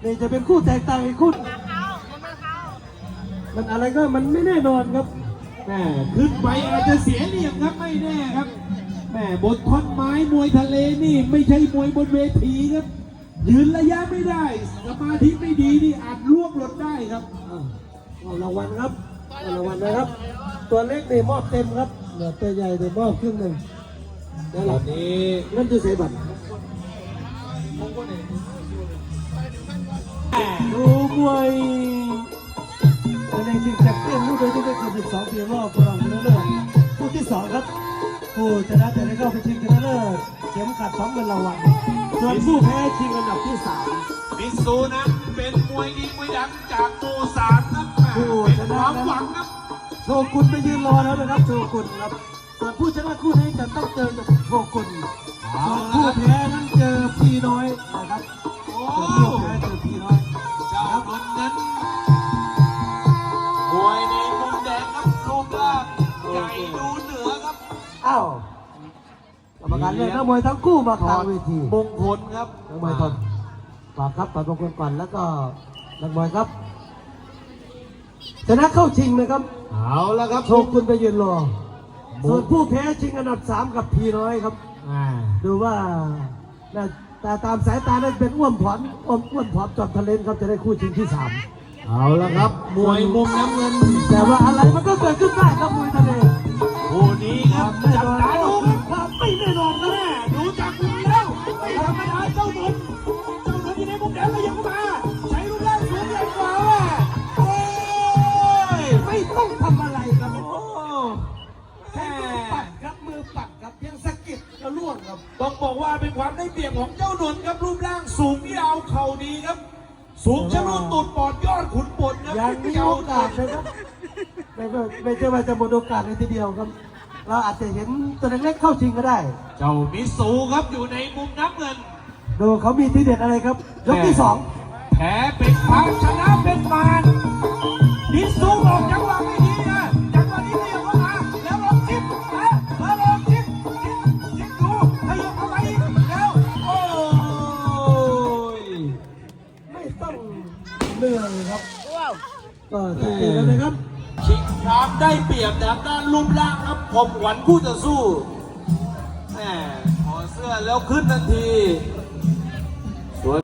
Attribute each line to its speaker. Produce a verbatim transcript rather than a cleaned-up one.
Speaker 1: นี่จะเป็นคู่แตกต่างอีกคู่มันอะไรก็มันไม่แน่นอนครับ
Speaker 2: แม่ขึ้นไปอาจจะเสียเหลี่ยมครับไม่แน่ครับแม่บนท่อนไม้มวยทะเลนี่ไม่ใช่มวยบนเวทีครับยืนระยะไม่ได้สมาธิไม่ดีนี่อาจล่วงหล่นได้ครับ
Speaker 1: เอารางวัลครับเอารางวัลนะครับตัวเล็กนี่มอบเต็มครับเหลือตัวใหญ่เดี๋ยวมอบครึ่งหนึ่ง
Speaker 2: ตอนนี้
Speaker 1: นั่นคือเสียบัตรดูมวยในชิงแชมเปี้ยนรุ่นอายุไม่เกินสิบสองปีรอบรองชนะเลิศคู่ที่สองครับผู้ชนะจะได้เข้าไปชิงชนะเลิศเข็มขัดสองเงินรางวัลส่วนผู้แพ้ชิงอันดับที่สาม
Speaker 2: มิซูนะเป็นมวยดีมวยดังจากโมซานครับผู้ชนะความหวังครับ
Speaker 1: โชกุนไปยืนรอแล้วนะครับโชกุนครับส่วนผู้ชนะคู่นี้จะต้องเจอกับโชกุนส่วนผู้แพ้นั้นเจอพี่น้อยนะครับส่วนผู้แพ้เจอพี่น้อย
Speaker 2: เจ้าคนนั้นมวยในมุมแดงครับรูปร่างใหญ่ดูเหนือครับ
Speaker 1: อ้าวกรรมการเลือกนักมวยทั้งคู่มากลางเวที
Speaker 2: มงคลครับ
Speaker 1: นักมวยทนฝากครับฝากมงคลก่อนแล้วก็นักมวยครับชนะเข้าชิงนะครับ
Speaker 2: เอาละครับ
Speaker 1: โชกุนไปยืนรอส่วนผู้แพ้ชิงอันดับสามกับพี่น้อยครับดูว่าแต่ตามสายตาได้เป็นอ้วนผอมอ้วนอ้วนผอมจอมทะเลนครับจะได้คู่ชิงที่สาม
Speaker 2: เอาละครับมวยมุมน้ำเงิน
Speaker 1: แต่ว่าอะไรมันก็เกิดขึ้นได้ครับมวยทะเล
Speaker 2: คู่นี้ครับจับตาดู
Speaker 1: ความไม่แน่นอนนะแม่
Speaker 2: ดูจากมุมแล้วไม่ธรรมดาเจ้าหนุนเจ้าหนุนที่ในมุมแดงก็ยังเข้ามาใช้รูปร่างสูงใหญ่กว่าโอ้
Speaker 1: ยไม่ต้องทำอะไรครับโอ้แค่ปัดครับมือปัดครับเพียงสะกิดก็ล่วงครับ
Speaker 2: ต้องบอกว่าเป็นความได้เปรียบของเจ้าหนุนครับรูปร่างสูงยาวเข่าดีครับสูงชะลุตูดปอดยอดขุนปนครับ
Speaker 1: ยังมีโอกาสนะครับไม่ไม่ใช่ว่าจะหมดโอกาสในทีเดียวครับเราอาจจะเห็นตัวเล็กๆเข้าชิงก็ได้
Speaker 2: เจ้ามิสูครับอยู่ในมุมน้ำเงิน
Speaker 1: ดูเขามีทีเด็ดอะไรครับยกที่สอง
Speaker 2: แพ้เป็นพังชนะเป็นมารมิสูบอกจังหวะไม่ดีนะจังหวะนี้ขยับเข้ามาแล้วลองจิ้มนะแล้วลองจิ้มจิ้มจิ้มดูขยับเข้าไปแล้วโอ้ย
Speaker 1: ไม่ต้องเหนื่อยครับก็สังเกตแล้วนะครับ
Speaker 2: ชิงความได้เปรียบทางด้านรูปร่างครับผมหวังคู่จะสู้แหมขอเสื้อแล้วขึ้นทันที